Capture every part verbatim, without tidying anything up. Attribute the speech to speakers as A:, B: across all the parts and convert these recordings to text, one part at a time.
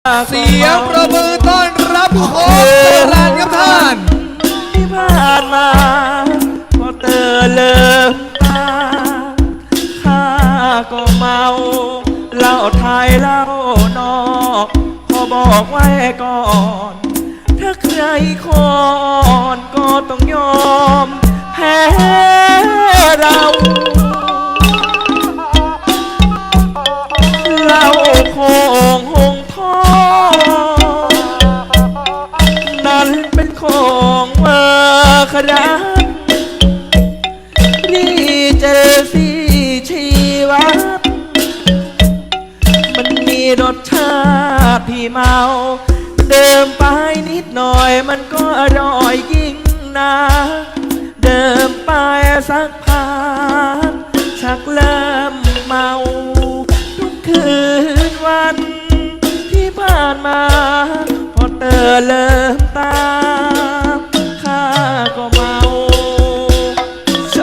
A: เสียงประมือต้อนรับโค้ชโบราณครับท่าน
B: ที่ผ่านมาพอเตอเลิมตาข้าก็เมาเหล้าไทยเหล้านอกขอบอกไว้ก่อนถ้าใครคอนก็ต้องยอมแพ้เราเหล้าโคงหงทองนั้นเป็นของเมื่อครานี่เจอสิชีวัตมันมีรสชาติที่เมาเดิมไปนิดหน่อยมันก็อร่อยยิ่งนะเดิมไปสักพักชักเริ่มเมาทุกคืนวันที่ผ่านมาพอเตอเริ่มตาข้าก็เมาส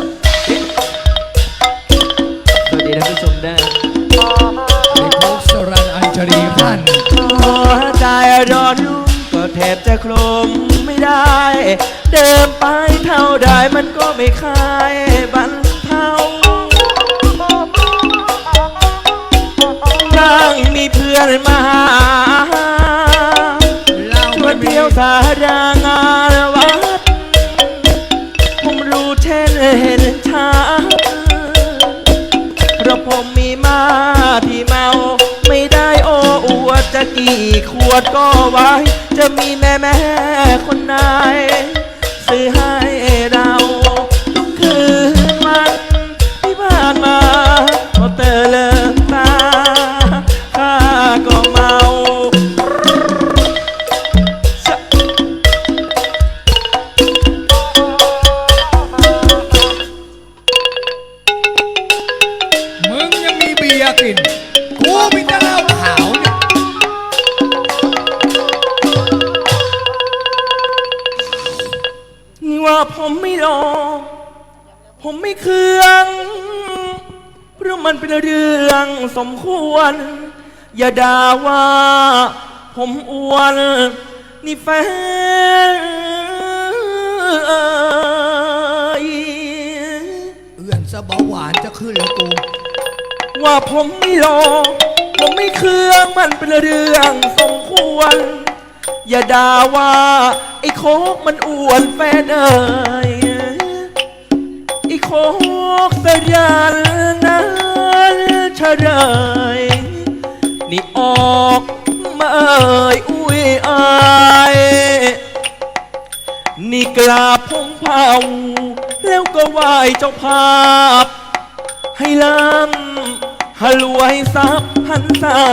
B: วัสดีท่านผู้ชมได้
A: ในโค้ชโบราณอัญชลีท่าน
B: หัวใจร้อนรุ่มก็แทบจะคลมไม่ได้เดิมไปเท่าใดมันก็ไม่คลายบันเทานั่งมีเพื่อนมาหาชวนเที่ยวสารางานวัดผมรู้เช่นเห็นชาเพราะผมมีมาที่เมาไม่ได้โอ้อวดจะกี่ขวดก็ไว้จะมีแม่แม่คนไหนซื้อให้เราทุกคืนวันที่ผ่านมาพอเตอเลิมตาข้าก็เมา
A: มึงยังมีเบียร์กินกูมีแต่เหล้าขาวเนี่ย
B: นี่ว่าผมไม่รอผมไม่เคืองเพราะมันเป็นเรื่องสมควรอย่าด่าว่าผมอ้วนนี่แฟนเ
A: อื้อนสะเบาหวานจะขึ้นแล้วกู
B: ว่าผมไม่รอผมไม่เคืองมันเป็นเรื่องสมควรอย่าด่าว่าไอ้โคกมันอ้วนแฟนเอ่ยไอ้โคกสยันนั้นเฉลยนี่ออกมาเอ่ยอุ้ยอายนี่กราบพงเผาแล้วก็ไหว้เจ้าภาพให้ล้ำให้รวยทรัพย์พันษา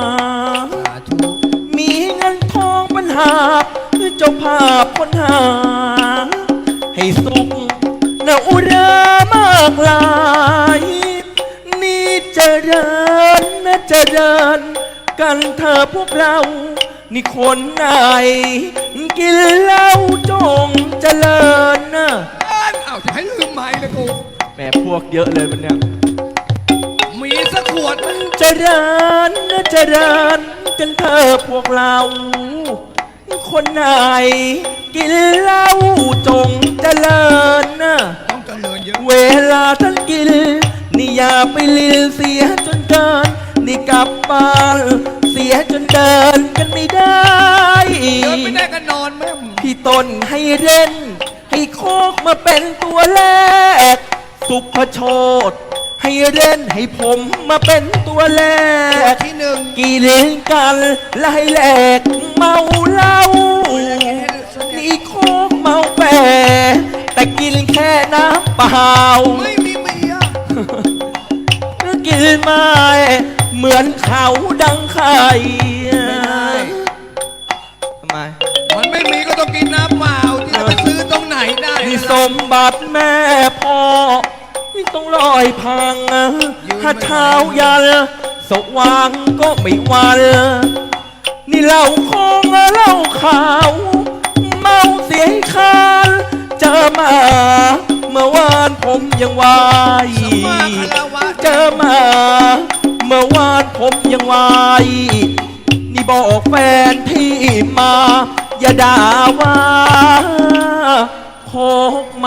B: มีเงินทองปัญหาคือเจ้าภาพคนหาให้สุขนาอุรามากลายนี่เจริญนะเจริญกันเธอพวกเรานี่คนไหนกินเหล้าจงเจริญนะ
A: อ้าวจะให้ลืมไม้เลยกู
B: แม่พวกเยอะเลยมันเนี่ย
A: มีสักขวดมัน
B: เจริญนะเจริญกันเธอพวกเราคนไหนกินเหล้าจงเจริญนะ
A: ต้องเจริญเยอะ
B: เวลาท่านกินนี่อย่าไปลินเสียจนเกินนี่กลับบ้านเสียจนเดินกันไม่ได้
A: เดินไม่ได้ก็นอนแม่
B: พี่ต้นให้เล่นให้โคกมาเป็นตัวแรกสุภโชตให้เล่นให้ผมมาเป็นตัวแรก
A: ที่หนึ่ง
B: กี่เล่นกันไล่แหลกเมาเหล้านี่โคกเมาแปรแต่กินแค่น้ำเปล่า
A: ไม่มีเมีย
B: กินไม่เหมือนเขาดังไข่ทำไม
A: มันไม่มีก็ต้องกินน้ำเปล่าที่จะไปซื้อตรงไหนได้
B: นี่สมบัติแม่พ่อนี่ต้องลอยพังถ้าเช้ายันสว่างก็ไม่วันนี่เหล้าคงเหล้าขาวเมาเสียคานเจอมาเมื่อวานผมยังวายเจอมาเมื่อวานผมยังวายนี่พี่บอกแฟนที่มา อย่าด่าว่าโคกเมา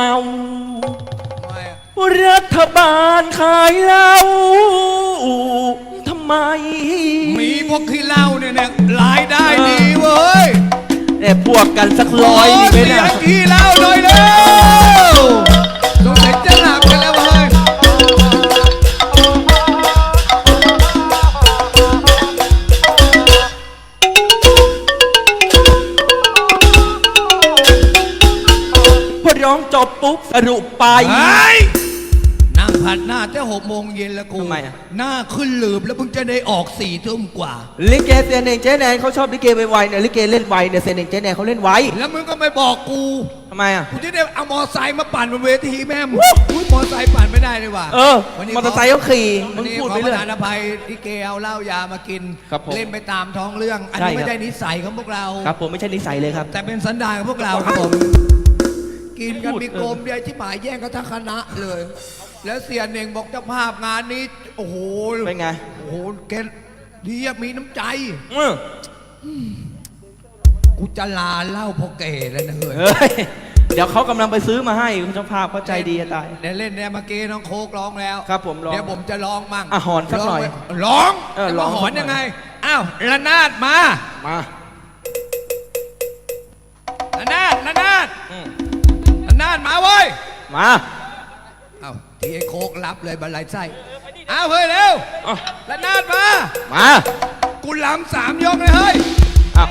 B: รัฐบาลขายเหล้าทำไม
A: มีพวกขี้เหล้าเนี่ยเนี่ยรายได้ดีเว้ย
B: แต่พวกกันสักร้อยนี่ไหม
A: เสี
B: เนี่ย
A: ยขี้เหล้าเลยเร็วสงสัยจะหลับกันแล้วเว้ย
B: พอร้องจบปุ๊บสรุปไป
A: ไอ้นั่งผัดหน้าแต่หกโมงเย็นแล้วกู
B: ทำไมอะ
A: หน้าขึ้นหลืบแล้วมึงจะได้ออกสี่ทุ่มกว่า
B: ลิเกเซนเองเจ๊แนนเขาชอบลิเกไวๆเนี่ยลิเกเล่นไวเนี่ยเซนเองเจ๊แนนเขาเล่นไว
A: แล้วมึงก็ไม่บอกกู
B: ทำไมอ่ะ
A: กูจะได้เอามอไซค์มาปั่นบนเวทีแม่มึงอุ้ยมอไซค์ปั่นไม่ได้เลยว่ะ
B: เออ
A: วันนี้
B: มอเตอร์ไซค์เขาขี่มึ
A: วัน
B: ง
A: นี้
B: พูด
A: ขอ
B: ไป
A: ป
B: เรื่
A: ระ
B: อย
A: ทานอภัยที่เกเอาเหล้ายามากิน
B: ครับผม
A: เล่นไปตามท้องเรื่อง อัน
B: ใช่
A: นี้
B: ครับ
A: ไม่ได้นิสัยของพวกเรา
B: ครับผมไม่ใช่นิสัยเลยครับ
A: แต่เป็นสันดานของพวกเราครับผม กินกัน
B: พูด
A: มีโกมเดียวที่หมายแย่งกันทั้งคณะเลย แล้วเสียเน่งบอกเจ้าภาพงานนี้ โอ้โห
B: เป็นไง
A: โอ้โหแกดีอะมีน้ำใจ
B: เออ
A: กูจะลาเหล้าพอเก๋แล้วนะเฮ้ย
B: เฮ้ยเดี๋ยวเขากำลังไปซื้อมาให้คุณเจ้าภาพเขาใจดีจะตาย
A: เดี๋ยวเล่นเนี่ยเมื่อกี้น้องโคกร้องแล้ว
B: ครับผมร้อง
A: เดี๋ยวผมจะร้องมั่ง
B: อ่ะหอนสักหน่อย
A: ร้อง
B: เออ
A: จะ
B: ร้
A: มา
B: อง
A: หอน
B: สักหน่อย
A: ยังไง อ้าวระนาดมา
B: มา
A: ระนาดระนาด
B: อืม
A: ระนาดมาเว้ย
B: มา
A: อ้าวทีไอ้โคกรับเลยบันไลไส้อ้าวเฮ้ยเร็ว
B: เอา
A: ระนาดมา
B: มา
A: กูลำสามยกเลยเฮ้ย
B: เอา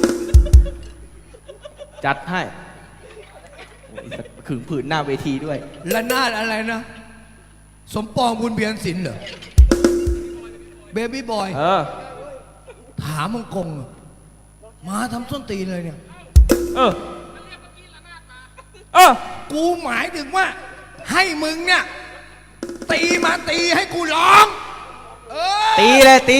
B: จัดให้โอ้ยสักขึงผืนหน้าเวทีด้วย
A: ระนาดอะไรนะ สมปองบุญเบียนศิลป์เหรอเบบี้บอย
B: เออ
A: ถามมังกงอะมาทำส้นตีนเลยเนี่ย
B: เออ เออ
A: กูหมายถึงว่า ให้มึงเนี่ย ตีมาตีให้กูร้อง เออ
B: ตีเลยตี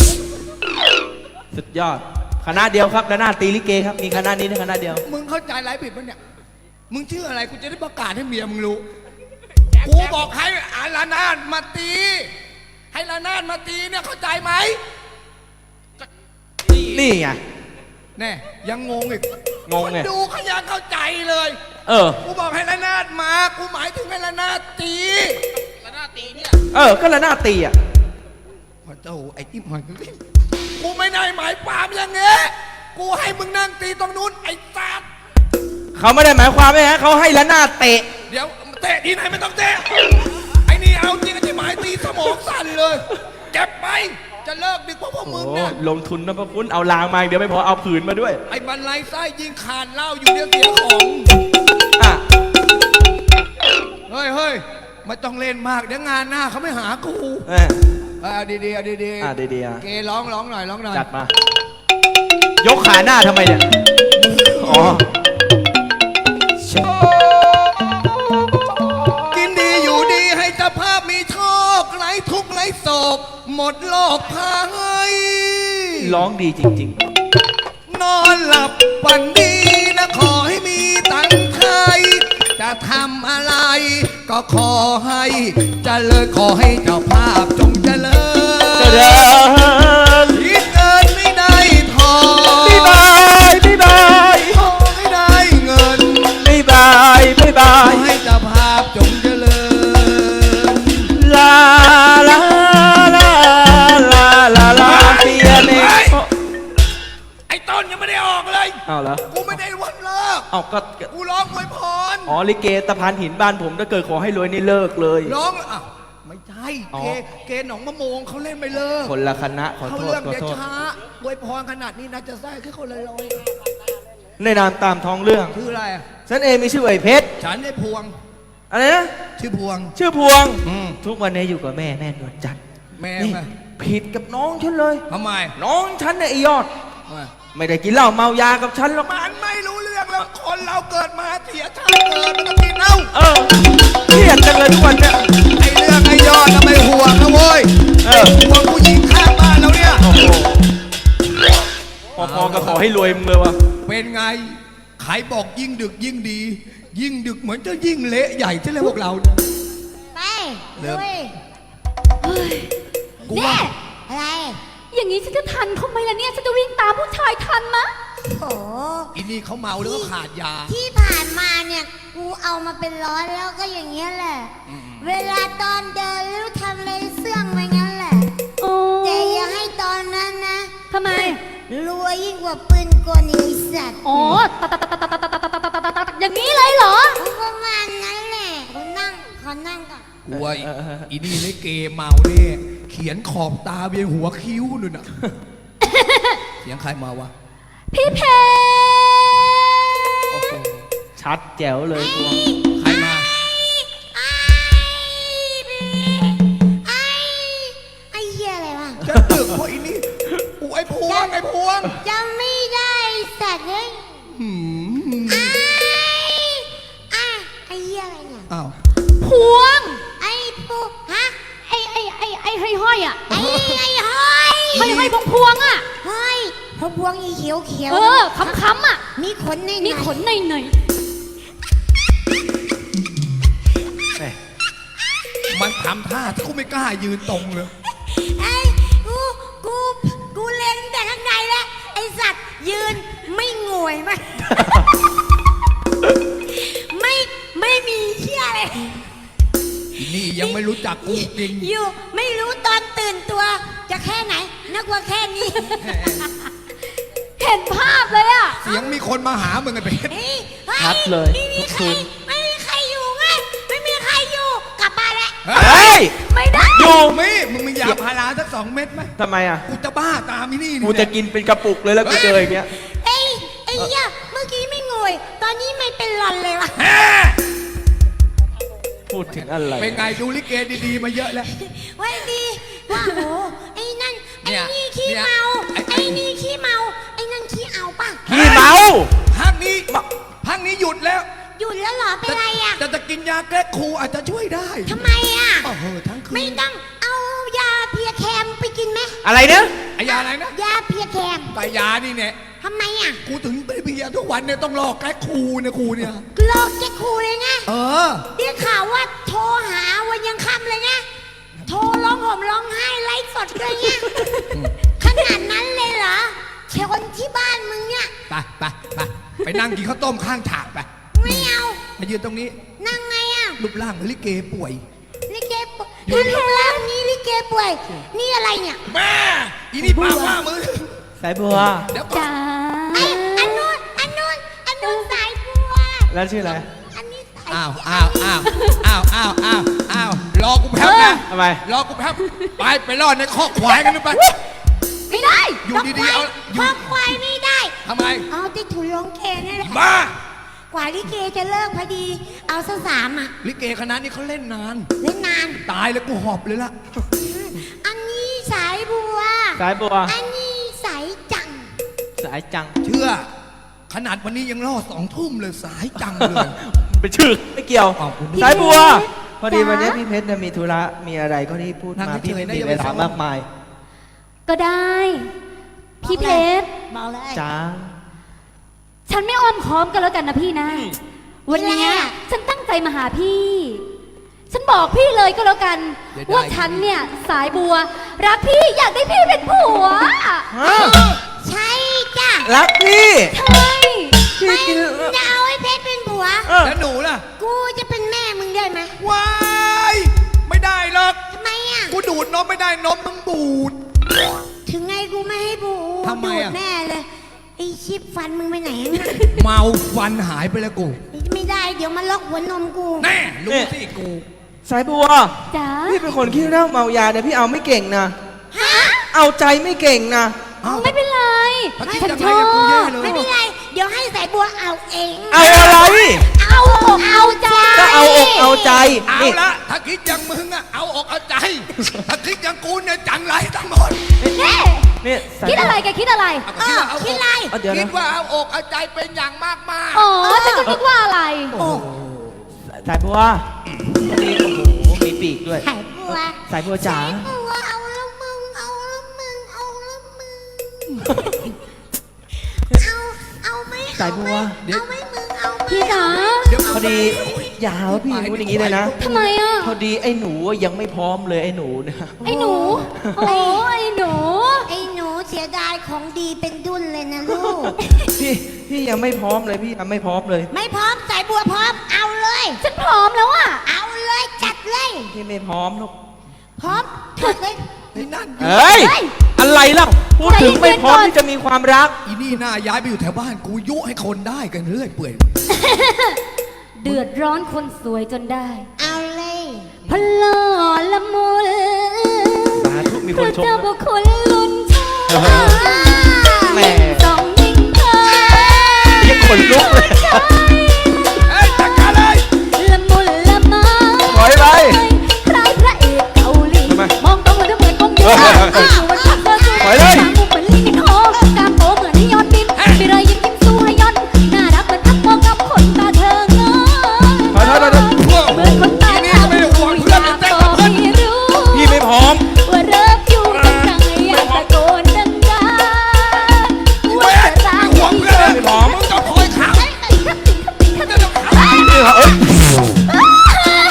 B: สุดยอด คณะเดียวครับแล้วหน้าตีลิเกครับ มีคณะนี้นะคณะเดียว
A: มึงเข้าใจไรผิดปะเนี่ย มึงชื่ออะไรกูจะได้ประกาศให้เมียมึงรู้ กูบอกให้อาลานาดมาตี ให้ลานาดมาตีเนี่ยเข้าใจไหม
B: นี่ไง
A: แน่ยังงงอีก
B: งงไง
A: คนดูเขายังเข้าใจเลย
B: เออ
A: กูบอกให้ลานาดมา กูหมายถึงให้ลานาดตีลานาดตีเนี่ย
B: เออ ก็แล้วหน้าตีอ่ะ
A: พอเจ้าไอ้จิ้มหอยกูไม่ได้หมายความอย่างเงี้ยกูให้มึงนั่งตีตรงนู้นไอ้สัตว์
B: เขาไม่ได้หมายความว่าเขาให้ละหน้าเตะ
A: เดี๋ยวเตะที่ไหนไม่ต้องเตะ ไอ้นี่เอาจริงไอ้หมายตีสมองสั่นเลยเก็บไป จะเลิกดึกเพราะพวกมึง
B: โอ้
A: เนี่ย
B: ลงทุนนะพระคุณเอาลางมาอีกเดี๋ยวไม่พอเอาผืนมาด้วย
A: ไอ้บรรลัยไส้ยิงขาดเหล้าอยู่เดี๋ยวเสียของ
B: อ่ะ
A: เฮ้ยเฮ้ยไม่ต้องเล่นมากเดี๋ยวงานหน้าเขาไม่หากู
B: เออ
A: เอาดีๆเอาดีๆ
B: อ่ะดีๆอ่ะ
A: เกร้องร้องหน่อยร้องหน่อย
B: จัดมา ยกขาหน้าทำไมเนี่ย อ๋อ
A: กินดีอยู่ดีให้เจ้าภาพมีโชคไร้ทุกข์ไร้โศกหมดโลกภัย
B: ร้องดีจริง
A: นอนหลับฝันดีนะขอให้มีตังค์ไทยจะทำอะไร ก็ขอให้เจริญขอให้เจ้าภาพจงเจริ
B: ๆเจริ
A: ญ
B: ญ
A: คิดเงินไม่ได้ทอง
B: บ๊ายบายบ๊ายบาย
A: ขอให้ได้เงิน
B: บ๊ายบายบ๊ายบา
A: ขอย ให้เจ้าภาพจงเจริญ
B: ลาลาลาลาลาลาเสียเน่
A: ไอ้ต้นยังไม่ได้ออกเลย
B: เอาเหรอ
A: กูไม่ได้วันเลิก
B: เอาก็
A: กูร้องอวยพร
B: อ๋อลิเกตะพานหินบ้านผมถ้าเกิดขอให้รวยนี่เลิกเลย
A: ร้องอ่ะไม่ใช่
B: อ๋อ
A: เกเกหนองมะโมงเขาเล่นไม่เลิก
B: คนละคณะขอ
A: เขา
B: โทษ
A: เรื่อง
B: ขอ
A: เดี๋ยว
B: โทษ
A: ช้าอวยพรขนาดนี้นะจะได้แค่คนละร้อย
B: ในนามตามท้องเรื่อง
A: ชื่ออะไรอ่ะ
B: ฉันเองมีชื่อไอ้เพชร
A: ฉันไอ้พวง
B: อะไรนะ
A: ชื่อพวง
B: ชื่อพวง
A: อืม
B: ทุกวันนี้อยู่กับแม่แม่นวลจันทร์
A: แม่
B: นี่
A: มา
B: ผิดกับน้องฉันเลย
A: ทำไม
B: น้องฉันเนี่ยไอ้ยอด
A: มา
B: ไม่ได้กินเหล้าเมายากับฉันหรอก
A: มันไม่รู้เรื่องแล้วคนเราเกิดมาเสียชาติเกิดมันต้องกินเหล้า
B: เออเครียดจังเลยทุกวันเนี่ย
A: ไอ้เรื่องไอ้ยอดทำไมห่วงนะโว้ย
B: เออ
A: ห่วงผู้หญิงข้างบ้านเราเนี่ย
B: โอ้โหพอๆก็ขอให้รวยมึงเลยวะ
A: เป็นไงใครบอกยิ่งดึกยิ่งดี ยิ่งดึกเหมือนจะยิ่งเละใหญ่ใช่ไหมพวกเราเนี่ย
C: ไป
A: เริ่ม
C: ด้วย
A: กู
C: เนี่
A: ว่า
C: ยอะไรอย่างนี้ฉันจะทันเขาไหมล่ะเนี่ยฉันจะวิ่งตามผู้ชายทันมะ
D: โอ้
A: อีนี่เขาเมาหรือว่าขาดยา
D: ที่ผ่านมาเนี่ยกูเอามาเป็นร้อยแล้วก็อย่างเงี้ยแหละ เวลาตอนเดินหรือทำอะไรเสื่องไปงั้นแหละ
C: โอ้
D: แต่อย่าให้ตอนนั้นนะ
C: ทำไม
D: รวยยิ่งกว่าปืนกลไอ้สัตว์
C: อ๋อตะตะตะตะตะตะตะตะตะตะตะตะอย่างนี้เลยเหรอ
D: ประมาณนั้นแหละเขานั่งเขานั่งก่อน
A: กลัวอีอีนี่เล่นเกมเมาเนี่ยเขียนขอบตาเบียนหัวคิ้วนู่นน่ะ เสียงใครมาวะ
C: พี่เพ
B: โอ้โหชัดแจ๋วเลยตัว
A: ใครมา
D: ไอ้ไอ้ไอ้เหี้ยอะไรวะ
A: จะตึกเพราะอีนี่อูไอ้พวงไอ้พวง
D: จำไม่ได้สัตว์เลย
A: หืม
D: ไอ้ไอ้ไอ้เหี้ยอะไรเนี่ย
A: อ้าว
C: พวง
D: ไอ้ปูฮะ
C: ไอ้ไอ้ไอ้ไอ้ห้อยห้อยๆอ่ะ
D: ไอ้ไอ้ห้อย
C: ห้อยห้อยพวงพวงๆอ่ะ
D: ห้อยพระพวงอีเขียวเขียว
C: เออค้ำค้ำๆอ่ะ
D: มีขนใน
C: มีขนในหน่อย
B: แหม่
A: มันทำท่าที่กูไม่กล้ายืนตรงเลย
D: ไอ้กูกูกูเล็งแต่ข้างในแล้วไอ้สัตว์ยืนไม่งวยมั้ย ไม่ไม่มีเชี่ยเลย
A: อีนี่ยังไม่รู้จักกูจริง
D: อยู่ไม่รู้ตอนตื่นตัว จะแค่ไหนนึกว่าแค่นี้
C: เห็นภาพเลยอ่ะ
A: เสียงมีคนมาหามึงไอ้เพชร
D: เฮ้ยฮ้
B: ชัดเลย
D: ไม่มี
B: ทุก
D: ใคร
B: คืน
D: ไม่มีใครอยู่ไงไม่มีใครอยู่กลับบ้านแล้ว
A: เฮ้
B: เฮ้
A: ย
B: ย
C: ไม่ได้
B: อยู่
A: มีมึงมียาพาราสักสองเม็ดไหม
B: ทำไมอ่ะ
A: กูจะบ้าตามอีนี่
B: กูจะกินเป็นกระปุกเลยแล้วกูเจออย่างเงี้ย
D: เอ้ยไอ้เหี้ยเมื่อกี้ไม่งวย ตอนนี้ไม่เป็นหลอนเลยวะ
A: แฮ่
B: พูดถึงอะไร
A: เป็นไงดูลิเกดีๆมาเยอะแล้ว
D: ว่าดีว่าโหไอ้นั่นไอ้
A: เนี่ย
D: นี่ขี้
A: เนี่ย
D: เมา
A: ไอ้
D: ไอ้นี่ขี้เมาไอ้นั่นขี้เอาป่ะ
B: ขี้เมา
A: พักนี้พักนี้หยุดแล้ว
D: หยุดแล้วเหรอเป็นไรอ่ะ
A: แต่จะกินยาแก้ครูอาจจะช่วยได้
D: ทำไมอ่ะ
A: โอ้โหทั้งคืน
D: ไม่ต้องเอายาเพียแคมไปกินไหม
B: อะไรเนี่ย
A: ไอ้ยาอะไรนะ
D: ยาเพียแคม
A: ไก่ยานี่เนี่ย
D: ทำไมอ่ะ
A: กูถึงไปเบียร์ทุกวันเนี่ยต้องรอแก้ครูเนี่ยครูเนี่ย
D: โลกแกครูเลยไง
A: เออ
D: ได้ข่าวว่าโทรหาวันยังค่ำเลยไงโทรร้องห่มร้องไห้ไลฟ์สดเลยไงขนาดนั้นเลยเหรอเชคนที่บ้านมึงเนี่ย
A: ไปไปไปไปนั่งกินข้าวต้มข้างฉากไป
D: ไม่เอา
A: มายืนตรงนี้
D: นั่งไงอ่ะ
A: รูปร่างเหมือนลิเกป่วย
D: ลิเกป่วยถ้าลูกแล้วนี้ลิเกป่วย นี่อะไรเนี่ย
A: แม่อีนี่ปากว่ามือ
B: สายบัว
A: เดี๋ยวก่อน
C: จ้า
D: ไอ้อันนู้นอันนู้นอันนู้นสายบัว
B: แล้วชื่ออะไร
D: อันนี้สาย
A: อ้าวอ้าวอ้าวอ้าวอ้าวอ้าวอ้าวรอกูแป๊บนะ
B: ทำไม
A: รอกูแป๊บไปไปรอดในคอกควายกันดูไป
C: ไม่ได้
A: อยู่ดีๆเอาอ
D: ค
A: ยู่
D: วามควายไม่ได้
A: ทำไม
D: เอาที่ถุนลงเกนี่แหละ
A: บ้าก
D: ว่าลิเกจะเลิกพอดี เอาซะสามอ่ะ
A: ลิเกคณะนี้เขาเล่นนาน
D: เล่นนาน
A: ตายแล้วกูหอบเลยล่ะ
D: อันนี้สายบัว
B: สายบัว
D: อันนี้สายจัง
B: สายจัง
A: เชื่อ ขนาดวันนี้ยังรอดสองทุ่มเลยสายจังเลย
B: เป็นชื่อไม่เกี่ยว
A: อ้าวคุณ
B: สายบัว พอดี
C: จ๊ะ
B: วันนี้พี่เพชรเนี่ยมีธุระ มีอะไรก็ที่พูด
A: นั่
B: มาง
A: เฉยๆ
B: พี่ไม่
A: นะ
B: มี
A: อย่า
B: เว
A: ไป
B: ลา
A: ฟ้อง
B: มากมาย
C: ก็ได้ พี่เพชร
D: บอกเลย
B: จ้า
C: ฉันไม่อ้อมค้อมกันแล้วกันนะพี่นะ วันเนี้ย
D: อะไรอะ
C: ฉันตั้งใจมาหาพี่ ฉันบอกพี่เลยก็แล้วกัน
A: เดี๋ยวได้
C: ว่าฉันเนี่ยสายบัว รักพี่อยากได้พี่เป็นผัว
D: ใช่จ้ะ
B: รักพี่
C: ใช่
B: พี่
D: ไม่
B: กิน
D: จะเอาไอ้เพชรเป็นผัว
B: เออ
A: แล้วหนูล่ะ
D: กูจะเป็นแม่มึงได้ไหม
A: ว้ายไม่ได้หรอก
D: ทำไมอ่ะ
A: กูดูดนมไม่ได้นมมึงบูด
D: ถึงไงกูไม่ให้บู
A: ทำไม
D: ดูด
A: อะ
D: แน่เลย ไอ้ชิปฟันมึงไปไหนอะ
A: เมาฟันหายไปแล้วกู
D: ไม่ได้เดี๋ยวมันล็อกหัวนมกู
A: แน่รู้สิกู
B: สายบัว
C: จ้า
B: พี่เป็นคนขี้เหล้าเมายาเนี่ยพี่เอาไม่เก่งนะ
D: ฮะ
B: เอาใจไม่เก่งนะ
A: เอ้า
C: ไม่เป็นไร
A: พระคิด
C: ฉัน
A: ยัง
C: ช
A: ไง
C: อ
A: กับกูแย่
C: บ
A: เลย
D: ไม่เป็นไร เดี๋ยวให้สายบัวเอาเอง
B: เอาอะไร
C: เอาอกเอาใจ
B: ก็เอาอกเอาใจ
A: เอา
B: นี่
A: ละถ้าคิดอย่างมึงอะเอาอกเอาใจ ถ้าคิดอย่างกูเนี่ยจังไรทั้งหมด
C: เน่
B: นี่สาย
C: คิด
B: บัว
C: อะไรแกคิดอะไร
A: เอา
D: เอ
A: ก็
D: อ
A: เอา
D: คิดอะไร
B: เอาเดี๋ยว
A: คิ
B: นะ
A: ดว่าเอาอกเอาใจเป็นอย่างมากมาก
C: อ๋อฉันก็คิดว่าอะไร
D: โอ้
B: สายบัวนี่โอ้โห มีปีกด้วย
D: สายบัว
B: สายบัวจ๋า
D: สายบัวเอาแล้วมึง เอาแล้วมึง เอาแล้วมึง เอา เอาไหม
B: สายบัว
D: เอาไหมมึง เอาไหม
C: พี่จ๋า
A: เดี๋ยว
B: พอดีอย่าหาว่าพี่พูดอย่างนี้เลยนะ
C: ทำไมอ่ะ
B: พอดีไอ้หนูยังไม่พร้อมเลยไอ้หนูเนะ
C: ไอ้หนู โอ้ไอ้หนู
D: ไอ้หนูดายของดีเป็นดุนเลยนะลูก
B: พี่พี่ยังไม่พร้อมเลยพี่ยังไม่พร้อมเลย
D: ไม่พร้อมสายบัวพร้อมเอาเลย
C: ฉันพร้อมแล้วอ่ะ
D: เอาเลยจัดเลย
B: พี่ไม่พร้อมลูก
D: พร้อมจัดเลย
A: นี่นั่น
B: เฮ้ย
C: เฮ้ย
B: อะไรเล่าพูดถึงไม่พร้อมที่จะมีความรัก
A: อีนี่หน้าย้ายไปอยู่แถวบ้านกูยุให้คนได้กันเรื่อยเปื่อย
C: เดือดร้อนคนสวยจนได้
D: เอาเลย
C: พลอละมุน
B: สาธุมีคนชม
C: พระเจ้า
B: ด้วย
C: บุคคลลุนชา
B: แม่
C: สองยิ่งเธอ
B: ยังขนลุกเลย
A: เอ้ยจัดการเลย
C: ละมุนละไม้
B: ถอยไป
C: คล้ายพระเอกเกาหลี
B: ทำไม
C: มองตรงเหมือนเหมือนกงยู
B: เออเออเออ
C: อยู่บนชักเกอร์จู
B: ถอยเลย
C: สามมุมเหมือนลิงทองกามโตเหมือนนิยอนบินมีรอยยิ้มยิ้มสู้ให้ยอนน่ารักเหมือนทักมองกับคนตาเธอเงย
B: ถอยถอยถอยถอย
C: เหมือนคนตา
A: อีนี่ก็ไม่ได้ห่วงเพื่อนเต้นกับเพื่อน
C: ไม่รู้
B: พี่ไม่พร้อม
C: ว่าเริ่มอยู่กันไกลอยากตะโกนดังๆว่าจะรัก
A: ห่วงเพื่อน
B: ไม่พร้อม
A: มึงก็คอยขัง
B: นี่เหรอเอ้ย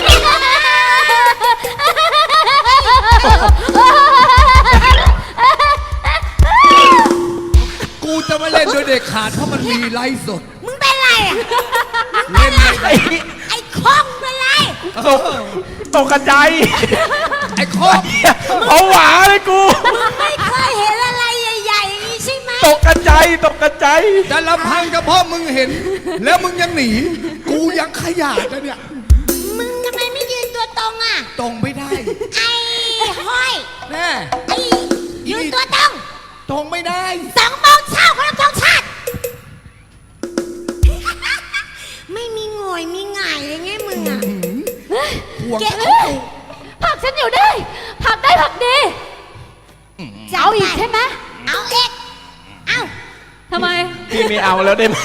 A: กูจะไม่เล่นด้วยเด็กขาดเพราะมันมีไลฟ์สด
D: มึงเป็นไรอ่ะ
A: เล่นไม่
B: ไอ้
A: ได้
D: ไอ้ข้องเป็นไร
B: ตกตกกระจาย
A: ไอ้คอก
B: เอาหวาเลยกู
D: มึงไม่เคยเห็นอะไรใหญ่ๆอย่างนี้ใช่ไหม
B: ตกกระจายตกกระจาย
A: แต่ลำพังเฉพาะมึงเห็น แล้วมึงยังหนี กูยังขยาดนะเนี่ย
D: มึงทำไมไม่ยืนตัวตรงอ่ะ
A: ตรงไม่ได้
D: ไอ้ห้อย
A: แน่
D: ไอ้ยืนตัวตรง
A: ตรงไม่ได้
D: สองโมงเช้าคนละสองชาติ ไม่มีโงอยมีหง่ายเลยไงมึงอ่ะ
A: ห่วง
D: เก็บ
A: เขา
C: ผลักฉันอยู่ได้ ผลักได้ผลักดีจะเอาอีกใช่ไหม
D: เอาเอกเอา
C: ทำไม
B: พี่ไม่เอาแล้วได้ไหม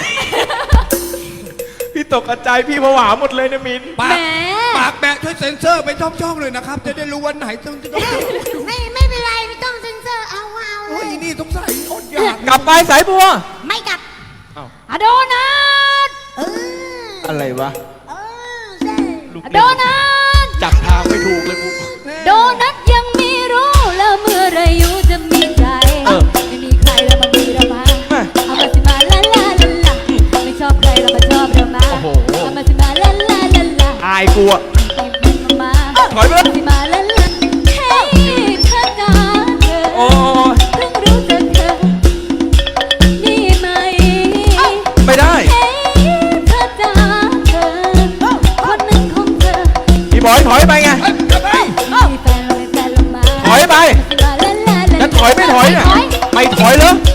B: พี่ตกกระจายพี่ผวาหมดเลยนะมิน
A: ปา
C: แหม
A: กปากแบะช่วยเซ็นเซอร์ไปช่องๆเลยนะครับ จะได้รู้วันไหนต้องต้อง
D: ไม่ไม่เป็นไรไม่ต้องเซ็นเซอร์เอาเอาเล
A: โอ้ย
D: ย
A: นี่ต้องใส่อดอยาก
B: กลับไปสายบัว
D: ไม่กลับ
C: อะโดนัท
D: เออ
B: อะไรวะ
D: เออใช่
B: ลูก
C: อะโดนัท
B: จับทางไม่ถูกเลยกู
C: โดนัทยังไม่รู้แล้วเมื่อไรอยู่จะมีใจ
B: เออ
C: ไม่มีใครแล้วมามีเรามา
B: แม่
C: เอามาสิมาลาลาลาลาไม่ชอบใครแล้วมาชอบเรามา
B: โอ้โห
C: เอามาสิมาลาลาลาลา
B: อายกูอะ
C: มา
B: ถอยไปเลย
C: สิมาลาลาเฮ้ยเธอจ๋าเธอ
B: โอ้ย
C: เพิ่งรู้จักเธอนี่ไหม
B: ไม่ได้
C: เฮ้ยเธอจ๋าเธอคนหนึ่งของเธอ
B: พี่บอยถอยไปไง
A: เฮ้ยกลับไป
C: มีแฟนเราเป็นแฟนเรามา
B: ถอยไป
C: สิมาลาลาลา
B: จะถอยไม่ถอยเนี่ย
C: ถอย
B: ไม่ถอยเหรอ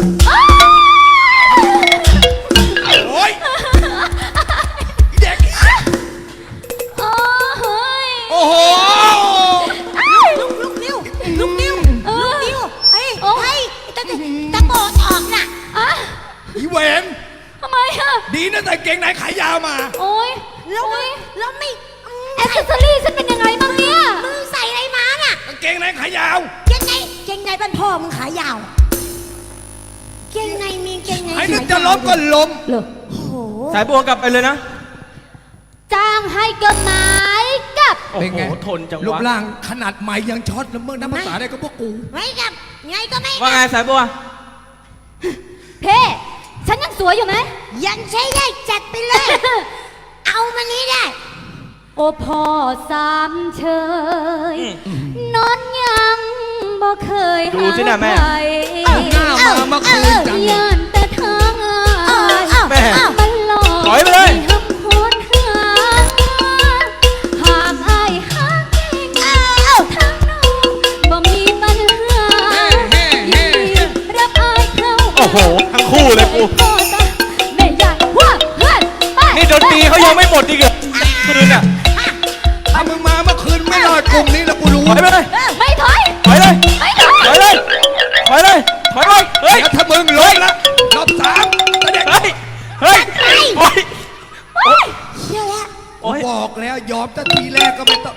A: โอ้ยเด็ก
C: โอ้ย
A: โอ้โห
D: ลุกลุกนิ้วลุกนิ้ว
C: เออ
D: ลุกนิ้วเฮ้ย
C: โอ้
D: เฮ้ยตะตะโกนออกน่ะ
C: อ่ะ
A: อีเวน
C: ทำไมอะ
A: ดีนะแต่เกงในขายาวมา
C: โอ้ย
D: แล้ว
C: โอ้ย
D: แล้วไม่อืม
C: แอคเซสซอรี่ฉันเป็นยังไงบ้างเนี่ย
D: มึงใส่อะไรมาน่ะ
A: กางเกงในขายาว
D: เกงในเกงในบ้านพ่อมึงขายาวเกงในมีเกงใน
A: ไอ้นึกจะล้มก็ล้ม
C: เหรอ
D: โอ้โห
B: สายบัวกลับไปเลยนะ
C: จ้างให้กฎหมายกับ
B: โอ้
A: เป็น
B: โห
A: ไง
B: ทนจัง
A: รูป
B: วะ
A: ร่างขนาดใหม่ยังช็อตแล้วเมื่อน้ำภาษาได้ก็พวกกู
D: ไม่กลับไงก็ไม่
B: ว่าไงสายบัว
C: เพ่ฉันยังสวยอยู่ไหม
D: ยังใช้ได้จัดไปเลย เอามานี้ได้
C: โอ้พ่อสามเชยนอนยังบ่เคย
B: ดูสิน่ะแม่
C: หาใคร
A: เอาหน้ามาเมื่อคืนจัง
C: ย่านแต่ทางอาย
B: แม่
C: มันหลอก
B: ถอยไปเลย
C: ให้หำโหดหาหากอายหาเก่งทางน้องบ่มีปัญหา
A: เฮ้เฮ้
C: ยินดีรับอายเข้า
B: โอ้โห ทั้งคู่เลยกู
C: แม่ยายว่าเพื่อนไป
B: นี่ดนตรีเขายังไม่หมดอีกเหรอคืนอ่ะ
A: ถ้ามึงมาเมื่อคืนไม่รอดกลุ่มนี้แล้วกูรู้
B: ถอยไปเลย
C: ไม่ถอย
B: ถอยเลย
C: ไม่ถอย
B: ถอยเลย ถอยเลย ถอยเลยเฮ้ย
A: แล้วถ้ามึงล้มละรอบสามกระเด็ก
B: เฮ้ย เฮ้ยโอ้ย
D: เชื่อแล้ว
B: โอ้ย
A: บอกแล้วยอมตั้งทีแรกก็ไม่ต้อง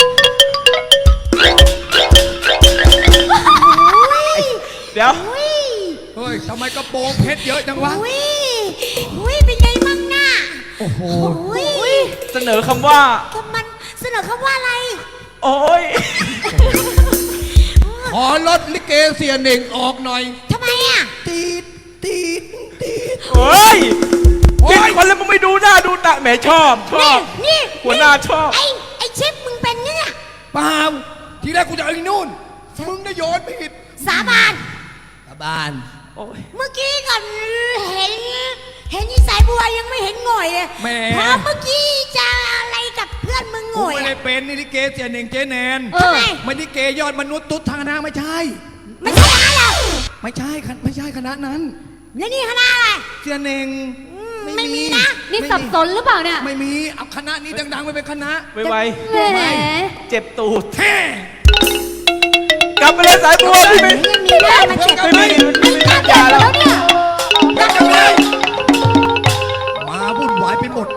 B: เดี๋ยว
D: อุ้ย
A: เฮ้ยทำไมกระโปรงเพชรเยอะจังวะ
D: อุ้ยอุ้ยเป็นไงมั่งน่ะ
A: โอ้โห
D: อุ้ย
B: เสนอคำว่า
D: ก็มันเสนอคำว่าอะไร
B: โอ้ย
A: ขอลดลิเกเสียหนึ่งออกหน่อย
D: ทำไมเนี่ย
A: ตีดตีดตีด
B: เฮ้ย
A: โอ๊ย
B: กินคนแล้วมึงไม่ดูหน้าดูตาแหมชอบชอ
D: นี่
B: บ
D: นี่
B: หัวหน้าชอบ
D: ไอ้ไอ้ชิปมึงเป็นเนี่ย
A: เปล่าทีแรกกูจะเอาไอ้นู่นมึงได้โยนผิด
D: สาบาน
A: ตาบาน
B: โอ้ย
D: เมื่อกี้ก่อนเห็น เห็นยี่สายบัวยังไม่เห็นหง่อยเลย
A: แหม
D: พอเมื่อกี้จะอะไรกับเพื่อนมึงห
A: กู
D: ง่อย
A: ไม่ได้
D: อะ
A: เป็นนี่ลิเกเสียหนึ่งเจแนน
C: เออ
A: ไม่ลิเกยอดมนุษย์ตุ๊ดทางคณะไม่ใช่
D: ไม่ใช่อะไรหรอก
A: ไม่ใช่คณะไม่ใช่คณะนั้น
D: แล้วนี่คณะอะไร
A: เสียหนึ่ง
D: ไม่มีนะ
C: นี่สับสนหรือเปล่าเนี่ย
A: ไม่มีเอาคณะนี้ดังๆไปเป็นคณะ
B: ไว
C: แหม
B: ๆเจ็บตูด
A: แท้
B: กลับไปเลยสายบัวพี่ไม่
D: ไม่มีหน้ามาเจ็บ
B: ไม่มีไม่มี
C: น่า
B: อ
C: เกลีย
B: ย่า
C: ด
B: แล้ว
C: แล้วเนี่ย
A: กันจังเลยมาวุ่นวายไปหมด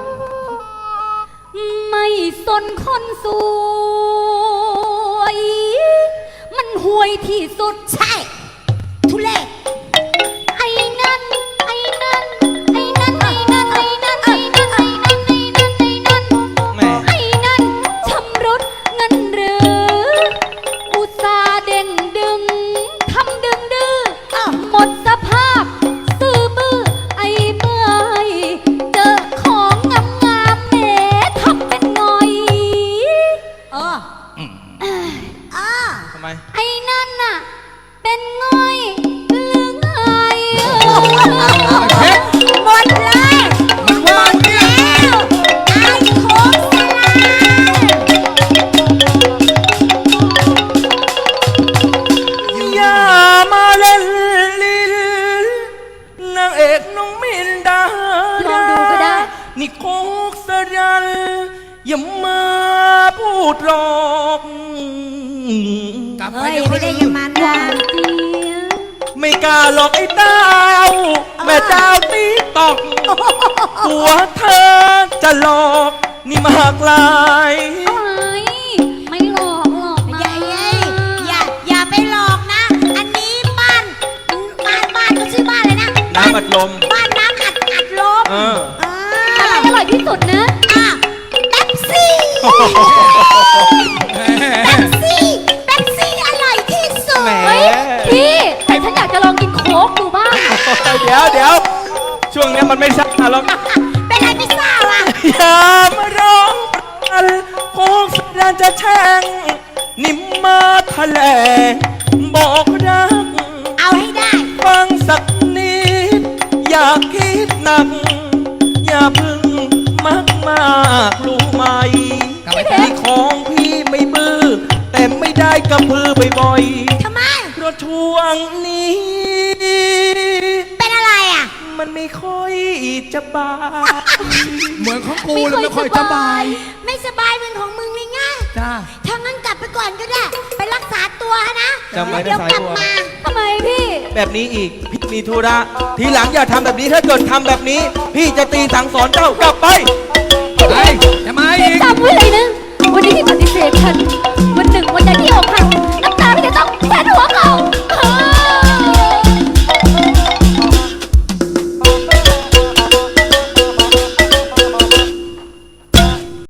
C: ไม่สนคนสวย มันห่วยที่สุด
D: ใช่ ทุเรศ
C: ไอ้นั่น ไอ้นั่น ไอ้นั่น ไอ้นั่น ไอ้นั่น ไอ้นั่น ไอ้นั่น ไอ้นั่น ไอ้นั่น
B: แหม
C: ไอ้นั่นชำรุดเงินหรือ อุตส่าห์เด่นดึง ทำดึงดื้อหมดสภาพ ซื่อบื้อ ไอ้เมื่อยเจอของงามงามๆแหมทำเป็นหน่อย
D: เออเออ
B: ทำไม
C: ไอ้นั่นน่ะ เป็นง่อยหรือไง
A: เพชร
D: หมดเลย
A: มันว่างเนี่ย
D: แล้วไอ้โค้งสลาย
B: อย่ามาเล่นลิ้นนางเอกน้องมินดา
C: ลองดูก็ได้
B: นี่โคกสรันอย่ามาพูดหลอก
A: กลับไป
D: เฮ้ย
A: เดี๋ยว
D: ไม่
A: ค่อย
D: ได้
A: ลื
D: อยัง
A: ม
D: มัน
C: ห
D: นะ
C: วานเจี๊ยบ
B: ไม่กล้าหลอกไอ้ดาว แม่ดาวตีตอก ตัวเธอจะหลอกนี่มากลาย
C: ไม่ไม่หลอกหรอก
D: อ
C: นะ
D: ย่าอย่าอย่าอย่าไปหลอกนะ อันนี้บ้านบ้านบ้านเขาชื่อบ้านเลยนะ
B: น้ำอัดลม
D: บ้านน้ำอัดอัดลม
B: เออ
D: เอ
C: อะไร
D: อ
C: อร่อยที่สุดนะ
D: อ่ะเป๊ปซี่เป๊ปซี่เป๊ปซี่อร่อยที่สุด
B: แหม
C: เฮ้ยพี่แต่ฉันอยากจะลองกินโค้กดูบ้าง
B: เดี๋ยวเดี๋ยวช่วงเนี้ยมันไม่ใช่หรอก
D: เป็นอะไรไม่ทราบอ่ะ
B: อย่ามาร้องกันโคกสรันจะแช่งนิ่มมาแถลงบอกรัก
D: เอาให้ได้
B: ฟังสักนิด อย่าคิดหนัก อย่าพึ่งมักมากรู้ไหม
A: กลับไป
B: ที่ของพี่ไม่บื้อ แต่ไม่ได้กระพือบ่อย
D: ทำไม
B: ๆเพราะช่วงนี้
D: เป็นอะไรอ่ะ
B: มันไม่ค่อยจะบาย
A: เหมือนของกูเลยไม่ค่อยสบาย
D: ไม่สบายเป็นของมึงเลยไง
A: จ้า
D: ถ้างั้นกลับไปก่อนก็ได้ ไปรักษาตัวนะ
B: จำไว้นะ
D: เดี๋ยวกลับ
B: สายบัว
D: มา
C: ทำไมพี่
B: แบบนี้อีกพี่มีธุระทีหลังอย่าทำแบบนี้ถ้าเกิดทำแบบนี้ พี่จะตีสั่งสอนเจ้ากลับไป
A: เฮ้ยจะมาอีก
C: จำไว้เลยนะ วันนี้ที่ปฏิเสธฉัน วันหนึ่งวันใดที่อกหัก